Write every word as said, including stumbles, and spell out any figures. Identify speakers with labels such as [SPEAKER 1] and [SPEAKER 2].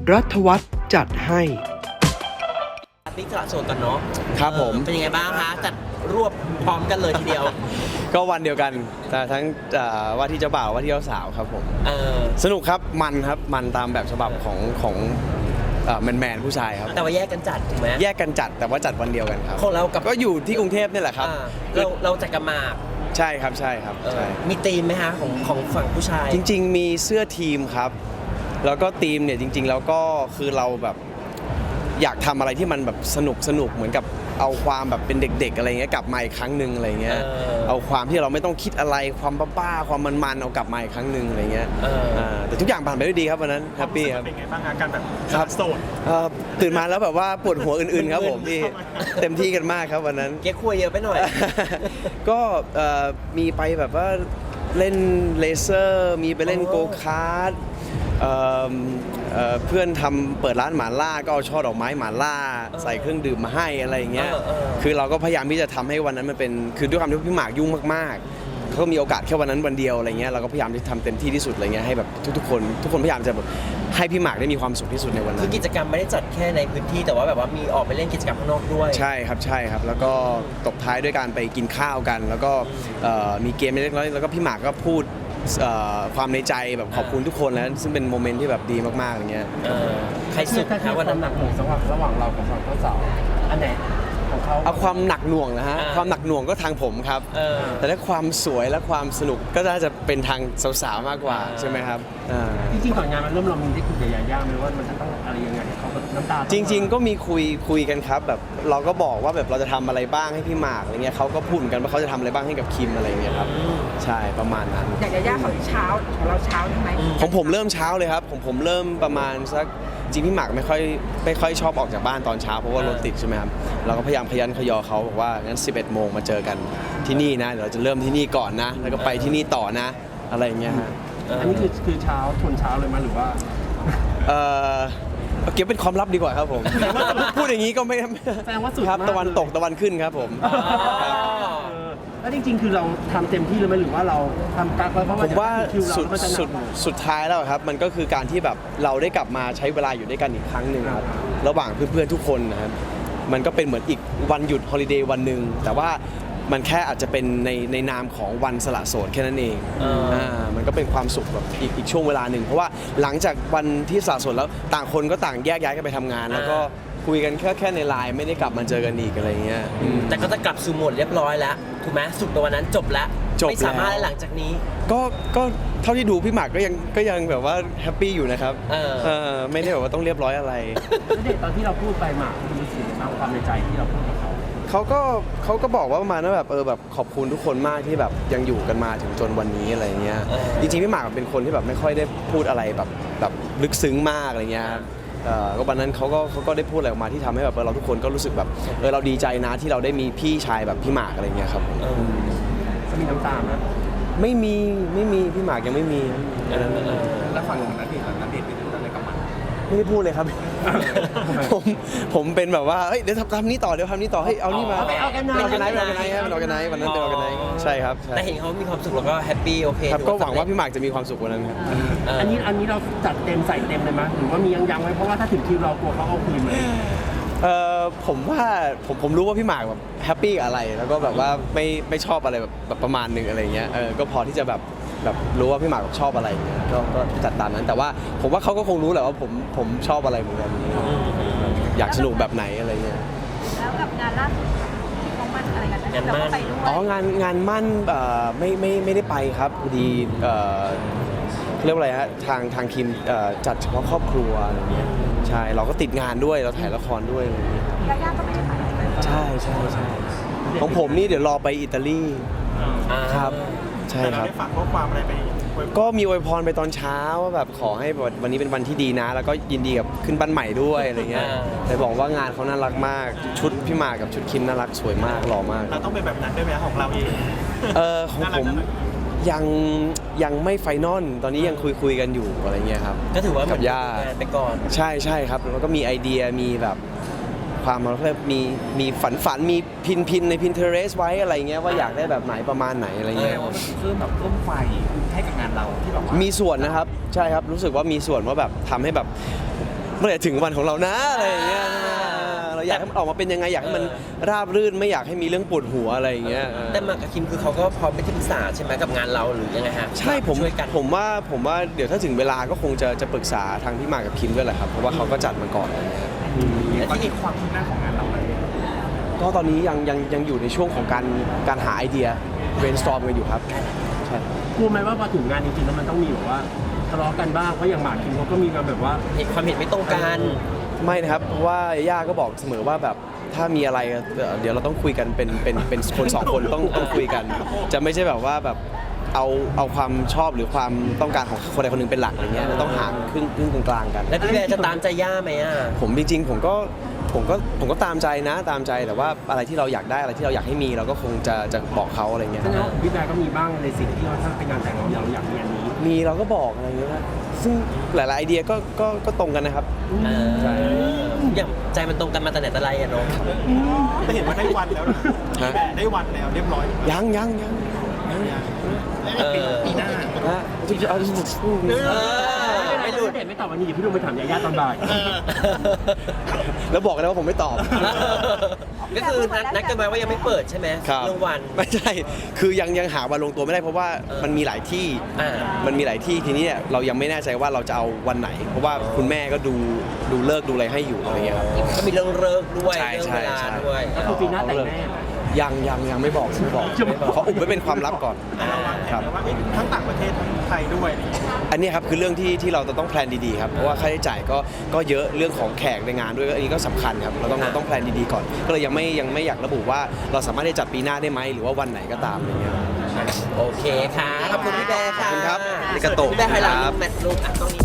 [SPEAKER 1] รัฐวัฒน์จัดให้
[SPEAKER 2] ติ๊กสละโสดกันเนาะ
[SPEAKER 3] ครับผม
[SPEAKER 2] เป็นยังไงบ้างคะจัดรวบพร้อมกันเลยทีเดียว
[SPEAKER 3] ก็วันเดียวกันแต่ทั้งว่าที่เจ้าบ่าวว่าที่เจ้าสาวครับผมสนุกครับมันครับมันตามแบบฉบับของของแมนแมนผู้ชายครับ
[SPEAKER 2] แต่ว่าแยกกันจัดถูกไหม
[SPEAKER 3] แยกกันจัดแต่ว่าจัดวันเดียวกันครับ
[SPEAKER 2] ของเรากับ
[SPEAKER 3] ก็อยู่ที่กรุงเทพนี่แหละครับ
[SPEAKER 2] เราเราจัดกันมา
[SPEAKER 3] ใช่ครับใช่ครับใช่
[SPEAKER 2] มีธีมไหมคะของของฝั่งผู้ชาย
[SPEAKER 3] จริงๆมีเสื้อทีมครับแล้วก็ธีมเนี่ยจริงๆแล้วก็คือเราแบบอยากทำอะไรที่มันแบบสนุกสนุกเหมือนกับเอาความแบบเป็นเด็กๆอะไรเงี้ยกลับมาอีกครั้งหนึ่งอะไรเงี้ยเอาความที่เราไม่ต้องคิดอะไรความบ้าๆความมันๆเอากลับมาอีกครั้งหนึ่งอะไรเงี้ยแต่ทุกอย่างผ่านไปด้วยดีครับวันนั้นแฮปปี้ครับ
[SPEAKER 4] เป็นไงบ้างอาการแบบโสด
[SPEAKER 3] ตื่นมาแล้วแบบว่าปวดหัวอื่นๆครับผมพี่เต็มที่กันมากครับวันนั้น
[SPEAKER 2] เก๊กคุยเยอะไปหน่อย
[SPEAKER 3] ก็มีไปแบบว่าเล่นเลเซอร์มีไปเล่นโกคาร์ทเพื่อนทำเปิดร้านหมาล่าก็เอาช่อดอกไม้หมาล่าใส่เครื่องดื่มมาให้อะไรอย่างเงี้ยคือเราก็พยายามที่จะทำให้วันนั้นมันเป็นคือด้วยความที่พี่หมากยุ่งมากๆเขาก็มีโอกาสแค่วันนั้นวันเดียวอะไรเงี้ยเราก็พยายามที่ทำเต็มที่ที่สุดอะไรเงี้ยให้แบบทุกๆคนทุกคนพยายามจะแบบให้พี่หมากได้มีความสุขที่สุดในวันนั้น
[SPEAKER 2] คือกิจกรรมไม่ได้จัดแค่ในพื้นที่แต่ว่าแบบว่ามีออกไปเล่นกิจกรรมข้างนอกด้วย
[SPEAKER 3] ใช่ครับใช่ครับแล้วก็ตบท้ายด้วยการไปกินข้าวกันแล้วก็มีเกมเล็กน้อยแล้วก็พี่หมากก็พูดความในใจแบบขอบคุณทุกคนแล้วซึ่งเป็นโมเมนต์ที่แบบดีมากๆอย่างเงี้ย
[SPEAKER 2] ใครสุดคะวันนั้น
[SPEAKER 4] หนักหน่วงระหว่างระหว่างเรากับฝั่งเจ้าสาวอันไหนของเขา
[SPEAKER 3] เอาความหนักหน่วงนะฮะความหนักหน่วงก็ทางผมครับแต่ถ้าความสวยและความสนุกก็น่าจะเป็นทางสาวๆมากกว่าใช่ไหมครับ
[SPEAKER 4] จริงๆก่อนงานมันเริ่มเรามีได้คุยกับยาย่าไหมว่ามันจะต้องอะไรยังไงเขาน้ำตา
[SPEAKER 3] จริงๆก็มีคุยคุยกันครับแบบเราก็บอกว่าแบบเราจะทำอะไรบ้างให้พี่หมากอะไรเงี้ยเขาก็พูดเหมือนกันว่าเขาจะทำอะไรบ้างให้กับคิมอะไรเงี้ยครับใช่ประมาณนั้น
[SPEAKER 5] อย่างยาย่าของเช้าของเราเช้าใช่ไหม
[SPEAKER 3] ของผมเริ่มเช้าเลยครับของผมเริ่มประมาณสักจริงพี่หมากไม่ค่อยไม่ค่อยชอบออกจากบ้านตอนเช้าเพราะว่ารถติดใช่ไหมครับเราก็พยายามขยันขยอเขาบอกว่างั้นสิบเอ็ดโมงมาเจอกันที่นี่นะเดี๋ยวเราจะเริ่มที่นี่ก่อนนะแล้วก็ไปที่นี่ต่อนะอะไรอย่างเงี้ยฮะ
[SPEAKER 4] อันนี้คือคือเช้าชนเช้าเลยมั้ยหรือว่า
[SPEAKER 3] เออเก็บเป็นความลับดีกว่าครับผมพูดอย่างนี้ก็ไม่
[SPEAKER 4] แสดงว่าสุด
[SPEAKER 3] ครับตะวันตกตะวันขึ้นครับผม
[SPEAKER 4] แล้วจริงๆคือเราทำเต็มที่เลยไหมหรือว่าเราทำกักไว้เพราะว่า
[SPEAKER 3] ผมว่าสุดสุดสุดท้ายแล้วครับมันก็คือการที่แบบเราได้กลับมาใช้เวลาอยู่ด้วยกันอีกครั้งหนึ่งครับระหว่างเพื่อนๆทุกคนนะครับมันก็เป็นเหมือนอีกวันหยุดฮอลิเดย์วันหนึ่งแต่ว่ามันแค่อาจจะเป็นในในนามของวันสละโสดแค่นั้นเองอ่ามันก็เป็นความสุขแบบอีกอีกช่วงเวลาหนึ่งเพราะว่าหลังจากวันที่สละโสดแล้วต่างคนก็ต่างแยกย้ายกันไปทำงานแล้วก็คุยกันแค่แค่ในไลน์ไม่ได้กลับมาเจอกันอีกอะไรเงี้ย
[SPEAKER 2] แต่ก็จะกลับสู่โหมดเรียบร้อยแล้วถูกไหมสุดในวันนั้นจบแล้วไม่สามารถหลังจากนี้
[SPEAKER 3] ก็ก็เท่าที่ดูพี่หมากก็ยังก็ยังแบบว่าแฮปปี้อยู่นะครับเออไม่ได้แบบว่าต้องเรียบร้อยอะไร
[SPEAKER 4] แล้วเด็กตอนที่เราพูดไปหมากคุณรู้สึกยังไงบ้างความในใจที่เราพูดกับเขา
[SPEAKER 3] เขาก็เขาก็บอกว่าประมาณว่าแบบเออแบบขอบคุณทุกคนมากที่แบบยังอยู่กันมาถึงจนวันนี้อะไรเงี้ยจริงๆพี่หมากเป็นคนที่แบบไม่ค่อยได้พูดอะไรแบบแบบลึกซึ้งมากอะไรเงี้ยก็วันนั้นเขาก็เขาก็ได้พูดอะไรออกมาที่ทำให้แบบเราทุกคนก็รู้สึกแบบเออเราดีใจนะที่เราได้มีพี่ชายแบบพี่หมากอะไรเงี้ยครับ
[SPEAKER 4] จะมีน้ำตาไหม
[SPEAKER 3] ไม่มีไม่มีพี่หมากยังไม่มี
[SPEAKER 4] แล้วฝั่งของนัดเดทล่ะนัดเดทเป็นอะไรกับมัน
[SPEAKER 3] ไม่ได้พูดเลยครับผมผมเป็นแบบว่าเฮ้ยเดี๋ยวทำทำนี้ต่อเดี๋ยวทำนี้ต่อให้เอานี่มา
[SPEAKER 4] เอากัน
[SPEAKER 3] เอากันไหนเอากันไหนเอากันไหนวันนั้นเป็นเอากันไหนใช่ครับ
[SPEAKER 2] แต่เห็นเขามีความสุขแล้วก็แฮปปี้โอเค
[SPEAKER 3] ครับก็หวังว่าพี่หมากจะมีความสุขวันนั้นครับ
[SPEAKER 4] อันนี้อันนี้เราจัดเต็มใส่เต็มเลยมั้ยหรือว่ามียังยังไว้เพราะว่าถ้าถึงคิวเรากลัวเขาเอาคืนไหม
[SPEAKER 3] เออผมว่าผมผมรู้ว่าพี่หมากแบบแฮปปี้กับอะไรแล้วก็แบบว่าไม่ไม่ชอบอะไรแบบแบบประมาณนึงอะไรเงี้ยเออก็พอที่จะแบบแบบรู้ว่าพี่หมากชอบอะไรเงี้ยก็ก็จัดตามนั้นแต่ว่าผมว่าเขาก็คงรู้แหละว่าผมผมชอบอะไรเหมือนกันอยากสนุกแบบไหนอะไรเงี้ย
[SPEAKER 5] แล้วกับงานล่าสุดของมันอะไรกัน
[SPEAKER 2] งานมั่น
[SPEAKER 3] อ๋องานงานมั่นเอ่อไม่ไม่ไม่ได้ไปครับพอดีเอ่อเรียกว่าอะไรฮะทางทางทีมจัดเฉพาะครอบครัวอะไรเงี้ยใช่เราก็ติดงานด้วยเราถ่ายละครด้วยอะไรเงี้ย
[SPEAKER 5] ยาย่าก็ไม่ได้ไป
[SPEAKER 3] ใช่ใช่ใช่ของผมนี่เดี๋ยวรอไปอิตาลีครับใช่ครับ
[SPEAKER 4] ฝากข้อความอะไรไป
[SPEAKER 3] ก็มีอวยพรไปตอนเช้าว่าแบบขอให้วันนี้เป็นวันที่ดีนะแล้วก็ยินดีกับขึ้นบ้านใหม่ด้วยอะไรเงี้ยแต่บอกว่างานเขาน่ารักมากชุดพี่หมากกับชุดคิมน่ารักสวยมากหล่อมาก
[SPEAKER 4] เราต้องเป็นแบบนั้นด้วยไหมของเราเอง
[SPEAKER 3] เออของผมยังยังไม่ไฟนอลตอนนี้ยังคุยคุยกันอยู่อะไรเงี้ยครับ
[SPEAKER 2] ก็ถือว่า
[SPEAKER 3] กับย่า
[SPEAKER 2] ไปก่อน
[SPEAKER 3] ใช่ใช่ครับแล้วก็มีไอเดียมีแบบความเราเรียกมีมีฝันฝันมีพินพินใน Pinterest ไว้อะไรเงี้ยว่าอยากได้แบบไหนประมาณไหนอะไรเงี้ย
[SPEAKER 4] เพิ่มแบบเพิ่มไฟให้กับงานเราที่แบบ
[SPEAKER 3] มีส่วนนะครับใช่ครับรู้สึกว่ามีส่วนว่าแบบทำให้แบบมื่อไหร่ถึงวันของเรานะอะไรอย่างเงี้ยใช่ไหมเราอยากให้มันออกมาเป็นยังไงอยากให้มันราบรื่นไม่อยากให้มีเรื่องปวดหัวอะไรอย่างเงี้ย
[SPEAKER 2] แต่หมากกับคิมคือเขาก็พร้อมไปที่ปรึกษาใช่ไหมกับงานเราหรือยังไงฮะ
[SPEAKER 3] ใช่ผม
[SPEAKER 2] ช่วยกัน
[SPEAKER 3] ผมว่าผมว่าเดี๋ยวถ้าถึงเวลาก็คงจะจะปรึกษาทางพี่หมากกับคิมด้วยแหละครับเพราะว่าเขาก็จัดมาก่อนอะไรเงี้ย
[SPEAKER 2] และที่นี่
[SPEAKER 3] ก็ตอนนี้ยังยังยังอยู่ในช่วงของการการหาไอเดีย brainstorm กันอยู่ครับใช่
[SPEAKER 4] กลัวไหมว่าพอถึงงานจริงๆแล้วมันต้องมีแบบว่าทะเลาะกันบ้างเพราะอย่างหมากคิมเขาก็มีการแบบว่า
[SPEAKER 2] มีความเห็นไม่ตรงกัน
[SPEAKER 3] ไม่นะครับเพราะว่าย่าก็บอกเสมอว่าแบบถ้ามีอะไรเอ่อเดี๋ยวเราต้องคุยกันเป็นเป็นเป็นคนสองคนต้องต้องคุยกัน จะไม่ใช่แบบว่าแบบเอาเอาความชอบหรือความต้องการของคนใดคนหนึ่งเป็นหลักอะไรเงี้ยต้องหาครึ่งครึ่งกลางๆกัน
[SPEAKER 2] แล้วพี่แบร์จะตามใจย่าไหมอ่ะ
[SPEAKER 3] ผมจริงๆผมก็ผมก็ผมก็ตามใจนะตามใจแต่ว่าอะไรที่เราอยากได้อะไรที่เราอยากให้มีเราก็คงจะจะบอกเขาอะไรเงี้ย
[SPEAKER 4] แสดงว่าพี่แบร์ก็มีบ้างในสิ่งที่ว่าถ้าเป็นงานแต่งเราเราอยากมีอันนี้
[SPEAKER 3] มีเราก็บอกอะไรเงี้ยนะซึ่งหลายๆไอเดียก็ก็ก็ตรงกันนะครับ
[SPEAKER 2] เออ
[SPEAKER 3] ใช่
[SPEAKER 2] อย่างใจมันตรงกันมาแต่ไหนแต่ไรอะเนาะ
[SPEAKER 1] แต่เห็นว่าได้วันแล้วนะ
[SPEAKER 3] ฮะ
[SPEAKER 1] ได้วันแล้วเรียบร้อย
[SPEAKER 3] ยังยังยัง
[SPEAKER 2] เออ
[SPEAKER 1] ปีหน้า
[SPEAKER 3] นะจริงๆเอา
[SPEAKER 2] เออไม่หลุด
[SPEAKER 4] เด็ดไม่ตอบวันนี้เดี๋ยวพี่ลุงไปถามยาย่าตอนบ่าย
[SPEAKER 3] แล้วบอกเลยว่าผมไม่ตอบ
[SPEAKER 2] ก็คือนัดนัดกันไว้ว่ายังไม่เปิดใช่ไหม
[SPEAKER 3] ครับ
[SPEAKER 2] เรื่องวัน
[SPEAKER 3] ไม่ใช่ คือยังยังหาวันลงตัวไม่ได้เพราะว่า
[SPEAKER 2] เออ
[SPEAKER 3] มันมีหลายที่
[SPEAKER 2] อ่า
[SPEAKER 3] มันมีหลายที่ทีนี้เนี่ยเรายังไม่แน่ใจว่าเราจะเอาวันไหน เพราะว่าคุณแม่ก็ดูดูเลิกษ์ดูอะไรให้อยู่อะไรเงี้ยครับ
[SPEAKER 2] ก็มีเรื่องเลิกด้วย
[SPEAKER 3] ใช่
[SPEAKER 2] เรื่อง
[SPEAKER 3] ใช่
[SPEAKER 2] เวลา
[SPEAKER 3] ใช่
[SPEAKER 2] ด้วย
[SPEAKER 4] ก็คือปีหน้าแต่งแน่
[SPEAKER 3] ยังยังยังไม่บอกไม่บอก
[SPEAKER 2] ไม่บอก
[SPEAKER 3] เขาอุบไว้เป็นความลับก่อน
[SPEAKER 1] เราวางแผ
[SPEAKER 3] ครั
[SPEAKER 1] น
[SPEAKER 3] บ
[SPEAKER 1] ไว้ว่าเอ๊ะทั้งต่างประเทศทั้งไทยด้วยอะไรอย่างเงี้ย
[SPEAKER 3] อันนี้ครับคือเรื่องที่ที่เราจะต้องแพลนดีๆครับเพราะว่าค่าใช้จ่ายก็ก็เยอะเรื่องของแขกในงานด้วยอันนี้ก็สำคัญครับเราต้องเราต้องแพลนดีๆก่อน ก็เลยยังไม่ยังไม่อยากระบุว่าเราสามารถได้จัดปีหน้าได้ไหมหรือว่าวันไหนก็ตามอะไรเงี้ย
[SPEAKER 2] โอเคค่ะ ขอบคุณพี่แบร์ค่ะ
[SPEAKER 3] ขอบคุณครับอาริกาโตะ
[SPEAKER 2] พี่แบร์ไฮไลท์
[SPEAKER 3] ครับ
[SPEAKER 2] แมทลูกอ่ะตรงนี้